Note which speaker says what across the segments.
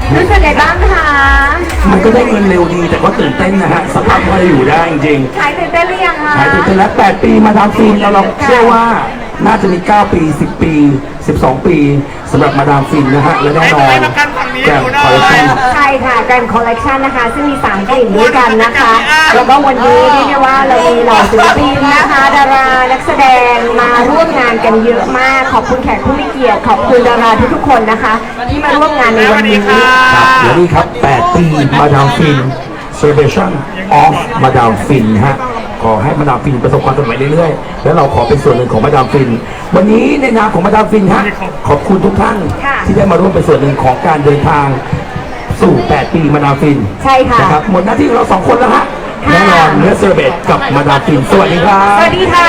Speaker 1: รู้สึกไงบ้างคะ
Speaker 2: มันก็ได้เงินเร็วดีแต่ก็ตื่นเต้นนะฮะสภาพพอจะอยู่ได้จริง
Speaker 1: ขายตื่นเต้นหรือยังคะ
Speaker 2: ๆขายตื่นเต้นแล้ว8 ปีมาดามฟินเราเชื่อว่าน่าจะมี9 ปี10 ปี12 ปีสำหรับมาดามฟินนะฮะและแน่นอนแกรนด์คอลเลคชั่น
Speaker 1: ใช่ค่ะแกรนด์คอลเลกชันนะคะซึ่งมี3กลิ่นด้วยกันนะคะแล้วก็วันนี้เรียกได้ว่าเรามีเหล่าศิลปินนะคะดารานักแสดงมาร่วมงานกันเยอะมากขอบคุณแขกผู้มีเกียรติขอบคุณดาราทุกๆคนนะคะที่มาร่วมงานในวันนี้
Speaker 2: ครับเดี๋ยวนี้ครับ8 ปีมาดามฟิน Celebration of มาดามฟินฮะขอให้มาดามฟินประสบความสำเร็จเรื่อยๆแล้วเราขอเป็นส่วนหนึ่งของมาดามฟินวันนี้ในนามของมาดามฟินฮะขอบคุณทุกท่านที่ได้มาร่วมเป็นส่วนหนึ่งของการเดินทางสู่8 ปีมาดามฟิน
Speaker 1: ใช่ค่ะ
Speaker 2: นะครับหมดหน้าที่ของเรา2 คนแล้วฮะแน่นอนเนื้อเซอร์เบตกับมาดามฟินสวัสดีครับ
Speaker 1: สวัสดีค่ะ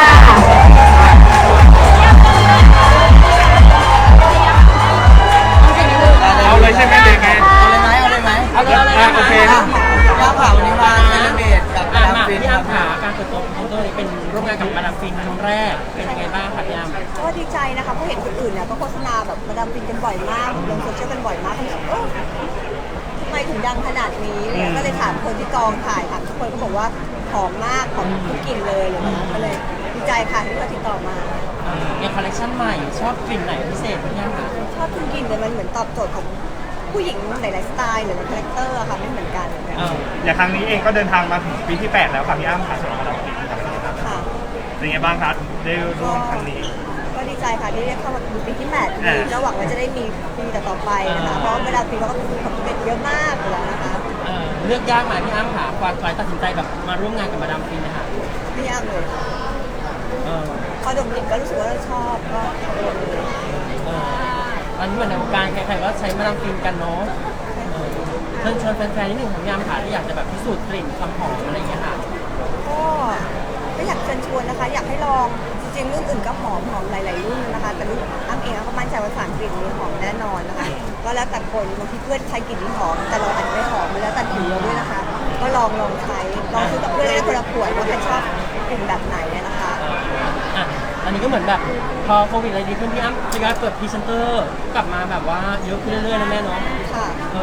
Speaker 3: เอาเลยใช่ไหมเลยไง
Speaker 4: เอาเลยไหม
Speaker 3: เอาเลยโอเค
Speaker 4: ย่าผ่าวันนี้มาเซเลบเรตกับมาดามฟิน
Speaker 5: พี่อ้ำขาการเปิดตัวของตัวนี้เป็นร่วมงานกับมาดามฟินครั้งแรกเป็นยังไงบ้างคะพี่อ้ำ
Speaker 4: ก็ดีใจนะคะเพราะเห็นคนอื่นเนี่ยก็โฆษณาแบบมาดามฟินกันบ่อยมากลงโซเชียลกันบ่อยมากแบบทำไมถึงดังขนาดนี้เนี่ยก็เลยถามคนที่กองถ่ายค่ะทุกคนก็บอกว่าหอมมากหอมทุกกลิ่นเลยอะไรเงี้ยก็เลยดีใจค่ะที่เขาติดต่อมา
Speaker 5: ในคอลเลคชันใหม่ชอบกลิ่นไหนพิเศษพี่อ้ำคะ
Speaker 4: ชอบทุกกลิ่นเลยมันเหมือนตอบโจทย์ของผู้หญิงหลายๆสไตล์หรือคาแรคเตอร์อะค่ะไม่เหมือนกัน
Speaker 3: อย่างครั้งนี้เองก็เดินทางมาถึงปีที่ 8 แล้วค่ะพี่อ้ำค่ะสำหรับมาดามฟินครับ
Speaker 4: ค่ะ
Speaker 3: เป็นไงบ้างครับได้ร่วมครั้งนี้
Speaker 4: ก็ดีใจค่ะที่ได้เข้ามาดูปีที่8ปีก็หวังว่าจะได้มีปีต่อๆไปนะคะเพราะเวลาปีเขาก็ทำความสำเร็จเยอะมากอยู่แล้วนะคะ
Speaker 5: เลือกยากไหมพี่อ้ำค่ะกว่าตัดสินใจแบบมาร่วมงานกับมาดามฟินนะคะ
Speaker 4: ไม่ยากเลยค่ะ
Speaker 5: เออ
Speaker 4: พอดมกลิ่นก็รู้สึกว่าเราชอบก็ลงเลย
Speaker 5: ตอนนี้เหมือนในวงการใครๆก็ใช้มาดามฟินกันเนาะเชิญชวนแฟนๆนิดหนึ่งของพี่อ้ำค่ะที่อยากจะแบบพิสูจน์กลิ่นความหอมอะไรอย่างเงี้ยค่ะ
Speaker 4: ก็อยากเชิญชวนนะคะ อยากให้ลองจริงๆรุ่นอื่นก็หอมหลายๆรุ่นนะคะ แต่รุ่นอ้ำเองก็มั่นใจว่าสารกลิ่นนี้หอมแน่นอนนะคะ ก็แล้วแต่คนบางทีเพื่อนใช้กลิ่นที่หอมแต่เราอาจจะไม่หอมแล้วแต่ผิวเราด้วยนะคะ ก็ลองใช้ลองซื้อกับเพื่อนได้คนละขวดว่าใครชอบกลิ่นแบบไหนนะคะ
Speaker 5: ตอนนี้ก็เหมือนแบบพอโควิดอะไรดีขึ้นพี่อ้ำทยอยเปิดพรีเซนเตอร์กลับมาแบบว่าเยอะขึ้นเรื่อยๆนะแม่เนาะ
Speaker 4: ค่ะ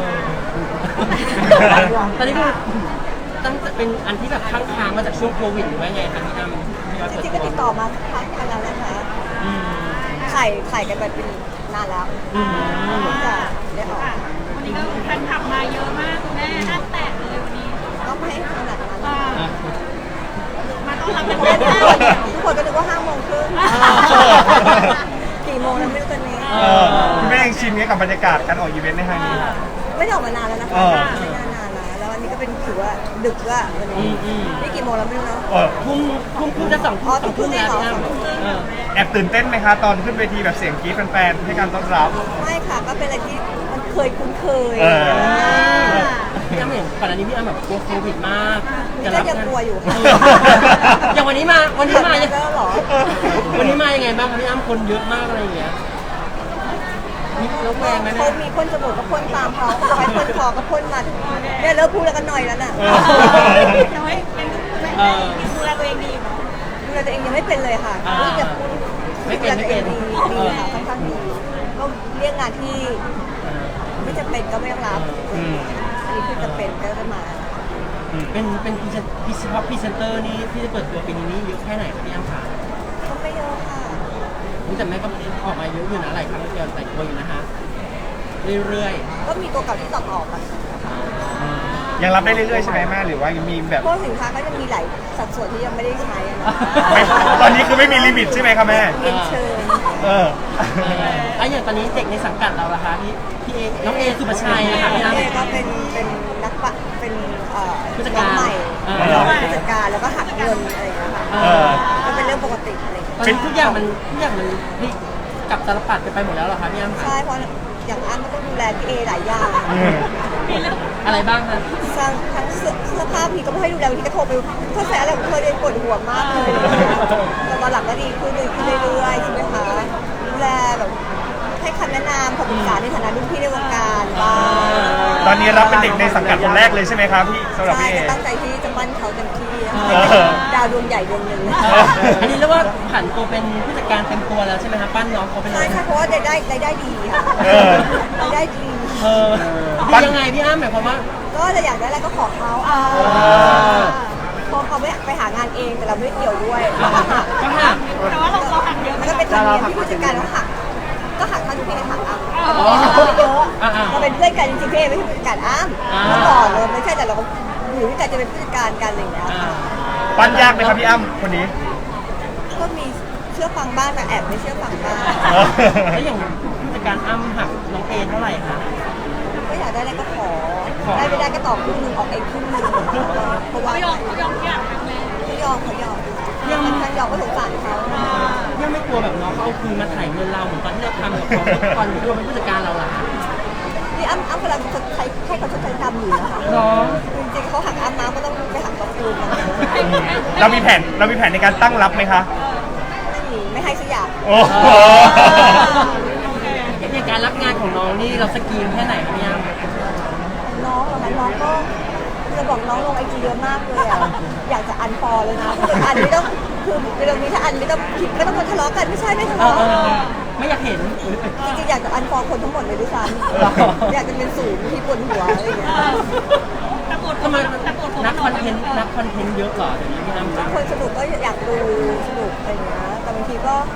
Speaker 5: ตอนนี้ก็ตั้งเป็นอันที่แบบค้างๆมาจากช่วงโควิดหรือว่าไงคะพี่อ้ำ
Speaker 4: จริงๆก็ติดต่อมาพักกันแล้วนะคะถ่ายกันไปเป็นนานแล้วจะได้ออก
Speaker 6: วันนี้ก็แฟนคลับมาเยอะมากคุณแม่น่าแตกเลยวันนี้
Speaker 4: ก็ไม่ให้ขนาดนั้น
Speaker 6: มาต้อนรับกัน
Speaker 4: เล่
Speaker 6: เล่
Speaker 4: น
Speaker 6: น
Speaker 4: ได้
Speaker 6: ได้
Speaker 4: ทุกคนก็นึกว่า5 โมงครึ่งกี่โมงแล้วไม่รู้ตอนนี้
Speaker 3: คุณแม่ยังชินกับบรรยากาศการออกอีเวนต์ในครั้งนี้
Speaker 4: ไม่ได้ออกมานานแล้วนะคะไม่นานนะแล้ววันนี้ก็เป็นถือว่าดึกว่าวันนี้นี่กี่โมงแล้วไม่รู้เนาะ
Speaker 5: ทุ่มจะ2 ทุ่มแล้วพี่อ้ำ
Speaker 3: แอบตื่นเต้นไหมคะตอนขึ้นเวทีแบบเสียงกรี๊ดแฟนๆให้การต้อนรับ
Speaker 4: ไม่ค่ะก็เป็นอะไรที่มันเคยคุ้นเคย
Speaker 5: พี่อ้ำเห็นก่อนอันนี้พี่อ้ำแบบกลัวโควิดมาก
Speaker 4: นี่ก็ยังกลัวอยู่ค่ะ
Speaker 5: อย่างวันนี้มายัง
Speaker 4: แล้วหรอ
Speaker 5: วันนี้มายังไงบ้างคะพี่อ้ำคนเยอะมากอะไรอย่างเงี้ยมีแล้วแวงไหม
Speaker 4: เขามีพ่นจมูกก็พ่นตามเขาเขาให้พ่นคอก็พ่นมาเนี่ยเลิกพูดแล้วกันหน่อยแล้วน่ะ
Speaker 6: น้อยเป็นดูแลตัวเองดี
Speaker 4: ดูแลตัวเองยังไม่เป็นเลยค่ะรู้จักพูดดูแลตัวเองดีค่ะค่อนข้างดีก็เรียกงานที่ไม่จำเป็นก็ไม่ต้องรับอันนี้คือจำเป็นก็ได้มา
Speaker 5: เป็นพรีเซนเตอร์นี่ที่จะเปิดตัวปีนี้เยอะแค่ไหนคะพี่อ้ำคะ
Speaker 4: ก็ไม่เยอะค่ะ
Speaker 5: นี่แต่แม่ก็ออกมาเยอะอยู่นะหลายครั้งเดียวหลายตัวอยู่นะคะเรื่อย
Speaker 4: ก็มีตัวเก่าที่ต่อออกค่ะ
Speaker 3: ยังรับได้เรื่อยๆใช่ไหมแม่หรือว่ายังมีแบบ
Speaker 4: พวกสินค้าก็ยังมีหลายสัดส่วนที่ยังไม่ได้ใช้อะนะ
Speaker 3: ตอนนี้คือไม่มีลิมิตใช่ไหมคะแม่
Speaker 4: เรียนเชิญ
Speaker 5: ไอ้อย่างตอนนี้เด็กในสังกัดเราล่ะคะพี่เอน้องเอสุภาชัยนะคะพี่อ้ำ
Speaker 4: เอก็เป็นนักปะเป็น
Speaker 5: ผู้จัดการ
Speaker 4: น้องใหม่ผู้จัดการแล้วก็หักเงินอะไรอย่างเงี้ยค่ะก็เป็นเรื่องปกติอะไรอย่างเงี้ย
Speaker 5: ตอนนี้ทุกอย่างมันพลิกกลับตลปัดไปหมดแล้วเหรอคะพี่อ้ำคะ
Speaker 4: ใช่เพราะอย่างอันก็ต้องดูแลพี่เอหลายอย่าง
Speaker 5: อะไรบ้างคะ
Speaker 4: ทั้งเสื้อผ้าพี่ก็ไม่ให้ดูแลพี่ก็โทรไปเธอใส่อะไรของเธอเดินปวดหัวมากเลยแต่ตอนหลังก็ดีขึ้นเรื่อยๆใช่ไหมคะดูแลแบบให้คำแนะนำคำปรึกษาในฐานะรุ่นพี่ในวงการบ้าง
Speaker 3: ตอนนี้รับเป็นเด็กในสังกัดคนแรกเลยใช่ไหมครับพี่สำหรับ
Speaker 4: ใช่
Speaker 3: พี่เอ
Speaker 4: ก็ตั้งใจที่จะมั่นเขาเต็มที่นะคะ
Speaker 3: เออ
Speaker 4: ดาวดวงใหญ่ดวงหนึ่ง
Speaker 5: อันนี้เรียกว่าผันตัวเป็นผู้จัดการเต็มตัวแล้วใช่ไหมคะปั้นน้องเขาเป็น
Speaker 4: ใช่ค่ะเพราะว่ารายได้ดีค่ะรายได้ดี
Speaker 5: คือยังไงพี่อ้ำหมายความว่า
Speaker 4: ก็จะอยากได้อะไรก็ขอเขาพอเขาไม่ไปหางานเองแต่เราไม่เกี่ยวด้วย
Speaker 5: ก็หัก
Speaker 6: แต่ว่าเราหักเยอะ
Speaker 4: มันก็เป็นธรรมเนียมที่ผู้จัดการเขาหักก็หักเท่าที่พี่เอหักอ่ะ
Speaker 5: อ๋อ
Speaker 4: เยอะเราเป็นเพื่อนกันจริงๆพี่เอไม่ใช่ผู้จัดการอ้ำเมื่อก่อนเลยไม่ใช่แต่เราอยู่ด้วยกันจะเป็นผู้จัดการกันอะไรอย่างเงี้ย
Speaker 3: ปั้นยากไหมครับพี่อ้ำคนนี้
Speaker 4: ก็มีเชื่อฟังบ้างแต่แอบไม่เชื่อฟังบ้าง
Speaker 5: แล้วอย่างผู้จัดการอ้ำหักน้องเอเท่าไหร่คะ
Speaker 4: ก็อยากได้อะไรก็ขอได้ไม่ได้ก็ตอบครึ่งนึงออกเองครึ่งนึงเพราะว่า
Speaker 6: เขายอมทุกอย่างทั้งแม่
Speaker 4: เขายอมเขายอมท่านยอมก็สงสารเขา
Speaker 5: ยังไม่กลัวแบบน้องเขาเอาคืนมาถ่ายเงินเราเหมือนตอนที่เราทำกับเขาตอนที่เราเป็นผู้จัดการเราล่ะ
Speaker 4: นี่อ้ำกำลังชดใช้ให้เขาชดใช้กรรมอยู่นะคะ
Speaker 5: น้อง
Speaker 4: จริงๆเขาหักอ้ำน้ำก็ต้องไปหักเขาคืนกัน
Speaker 3: เรามีแผนในการตั้งรับไหมคะ
Speaker 4: ไม่ให้สักอย่าง
Speaker 3: โอ้โห
Speaker 5: อย่างการรับงานของน้องนี่เราสกรีนแค่ไหนคะพี่อ้ำ
Speaker 4: น้องเหรอคะน้องก็จะบอกน้องลงไอจีเยอะมากเลยอ่ะอยากจะอันฟอลเลยนะคืออันไม่ต้องคือเรื่องนี้ถ้าอันไม่ต้องผิดไม่ต้องมาทะเลาะกันไม่ใช่ไม่ทะเลาะ
Speaker 5: ไม่อยากเห็น
Speaker 4: จริงๆอยากจะอันฟอลคนทั้งหมดเลยด้วยซ้ำอยากจะเป็นศูนย์ที่ปวดหัวอะไรอย่างเงี้ย
Speaker 6: แต่ปวด
Speaker 5: ทำไม
Speaker 6: แต่ปวดหัว
Speaker 5: นักคอนเทนต์เยอะเหรอเดี๋ยวนี้พี่อ้ำ
Speaker 4: บางคนสนุกก็อยากดูสนุกอะไรอย่างเงี้ยแต่บางทีก็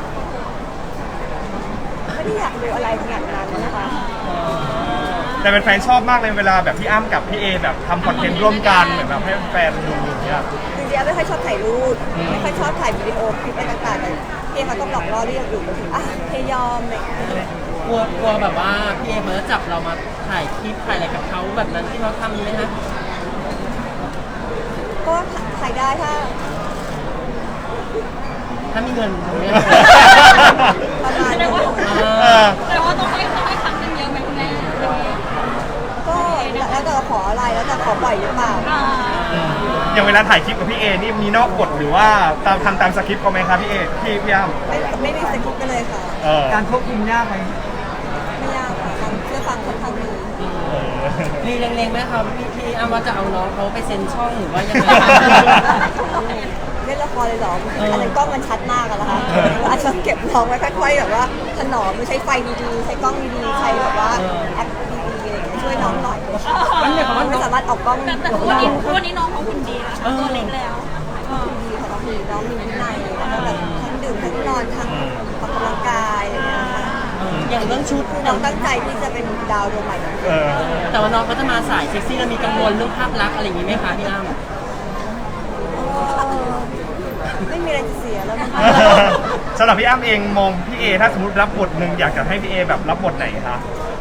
Speaker 4: ไม่ได้อยากดูอะไรขนาดนั้นนะคะ
Speaker 3: แต่เป็นแฟนชอบมากเลยเวลาแบบพี่อ้ำกับพี่เอแบบทำคอนเทนต์ร่วมกันเหมือนแบบให้แฟนดูอย่างเงี้ย
Speaker 4: จริงๆไม่ค่อยชอบถ่ายรูปไม่ค่อยชอบถ่ายวิดีโอคลิปอะไรต่างๆแต่พี่เขาต้องหลอกล่อเรียกอยู่ก็คืออ่ะเพยอมอะไรอย่างเงี้ย
Speaker 5: กลัวแบบว่าพี่เอเขาจะจับเรามาถ่ายคลิปถ่ายอะไรกับเขาแบบนั้นที่เขาทำไหมคะ
Speaker 4: ก็ถ่ายได้ถ้า
Speaker 5: มีเงินตรงนี้
Speaker 4: ประมาณ
Speaker 6: แสด
Speaker 4: นี้
Speaker 6: งว่า
Speaker 3: เออ
Speaker 6: แต่ว่าต้องให้ครั้งหนึงเยอะไหมคุณแม่
Speaker 4: ก็แล้วแต่เราขออะไรแล้วแต่ขอบ่อยหรือเปล่า
Speaker 3: อย่างเวลาถ่ายคลิปกับพี่เอนี่มีนอกบทหรือว่าทำตามสคริปต์เขาไหมครับพี่เอพี่อ้ำ
Speaker 4: ไม่มีสคริปต์กันเลยค่ะ
Speaker 3: การ
Speaker 4: ไม่ยากค่ะทำเชื่อฟังค่อนข้างดี
Speaker 5: มีเล็งๆไหมครับพี่อ้ำว่าจะเอาน้องเขาไปเซ็นช่องหรือว่ายังไง
Speaker 4: เล่นละครเลยเหรออันนั้นกล้องมันชัดมากอะนะคะอาจจะเก็บน้องไว้ค่อยๆแบบว่าถนอมใช้ไฟดีๆใช้กล้องดีๆใช้แบบว่าแอปดีๆอะไรอย่างเงี้ยช่วยน้องหน่อย
Speaker 5: มันหมายความว่า
Speaker 4: ไม่สามารถออกกล้อง
Speaker 6: แต่วันนี้น้องเขาหุ่นดีนะตัวเล็กแล้ว
Speaker 4: ดีค่ะน้องมีวินัยแล้วก็แบบทั้งดื่มทั้งนอนทั้งออกกำลังกายอะไรอย่างเงี้ยค่ะ
Speaker 5: อย่างเรื่องชุด
Speaker 4: น้องตั้งใจที่จะเป็นดาวดวงใหม่ของ
Speaker 3: เออ
Speaker 5: แต่ว่าน้องเขาจะมาสายเซ็กซี่แล้วมีกังวลเรื่องภาพลักษณ์อะไรอย่างนี้ไหมคะพี่อ้ำ
Speaker 4: ไม่มีอะไรจะเสียแล้วนะคะ
Speaker 3: สำหรับพี่อ้ำเองมองพี่เอถ้าสมมติรับบทหนึ่งอยากจะให้พี่เอแบบรับบทไหนคะ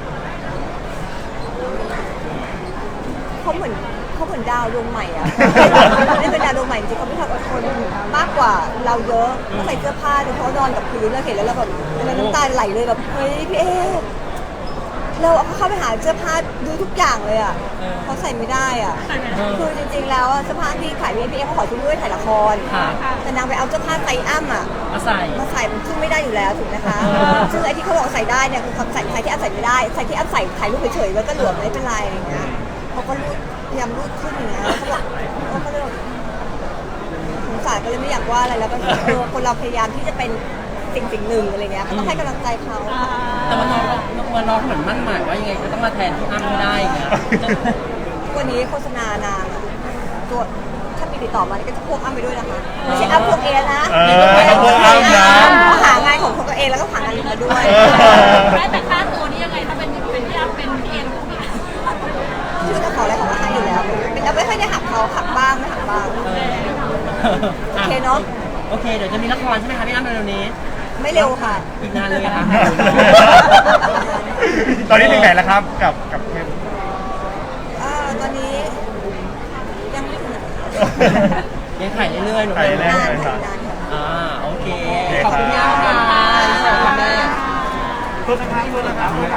Speaker 4: เขาเหมือนดาวดวงใหม่อะนี่เป็นดาวดวงใหม่จริงๆเขามีความอดทนมากกว่าเราเยอะเขาใส่เสื้อผ้าดูเขานอนกับพื้นแล้วเห็นแล้วเราแบบน้ำตาไหลเลยแบบเฮ้ยพี่เอเราเข้าไปหาเสื้อผ้าดูทุกอย่างเลยอะเขาใส่ไม่ได้อะคือจริงๆแล้วเสื้อผ้าที่ขายพี่เอเขาขอชุดด้วยถ่ายละครแต่นางไปเอาเสื้อผ้าไซส์อ้ำอะ
Speaker 5: มาใส่
Speaker 4: มาใส่มันซึ่งไม่ได้อยู่แล้วถูกไหมคะซึ่งไอ้ที่เขาบอกใส่ได้เนี่ยคือความใส่ที่อ้ำใส่ไม่ได้ใส่ที่อ้ำใส่ถ่ายรูปเฉยๆแล้วก็หลวมไม่เป็นไรอะไรอย่างเงี้ยเขาก็รูดพยายามรูดขึ้นอย่างเงี้ยเขาบอกเขาเลยสงสารก็เลยไม่อยากว่าอะไรแล้วก็คนเราพยายามที่จะเป็นสิ่งหนึ่งอะไรเงี้ยก็ต้องให้กำลังใจเขา
Speaker 5: แต่ว่าน้องเหมือนมั่นหมายว่ายังไงก็ต้องมาแทนพี่อ้ำไม่ได้อย่างเงี้ย
Speaker 4: วันนี้โฆษณานางตัวถ้ามีติดต่อมาก็จะพวกอ้ำไปด้วยนะคะไม่ใช่อ้ำพวกเอนะ
Speaker 3: พวกอ้ำนะ
Speaker 4: เขาหางานของตัวเองแล้วก็หางานอื่นมาด้วย
Speaker 6: แต่ค่าตัวนี่ยังไงถ้าเป็นพี่อ้ำเป็นพี่เอ็ม
Speaker 4: ชื่อจะขออะไรของก็ให้อยู่แล้วเป็นเราไม่ค่อยได้หักเขาหักบ้างไม่หักบ้างโอเคเนาะ
Speaker 5: โอเคเดี๋ยวจะมีละครใช่ไหมคะพี่อ้ำเร็วๆนี้
Speaker 4: ไม่เร็วค่ะ
Speaker 5: อีกนานเลยค่ะ
Speaker 3: ตอนนี้ถึงไหนแล้วครับกับเทป
Speaker 4: ตอนนี้ยังไม่ถึงไหน
Speaker 5: ยังถ่ายเรื่อยๆหนู
Speaker 3: ถ่ายเรื่อย
Speaker 4: นานค่ะนานค่ะ
Speaker 5: โอเค ขอบคุณมากค่ะขอบคุณแม่
Speaker 3: โทษนะครับ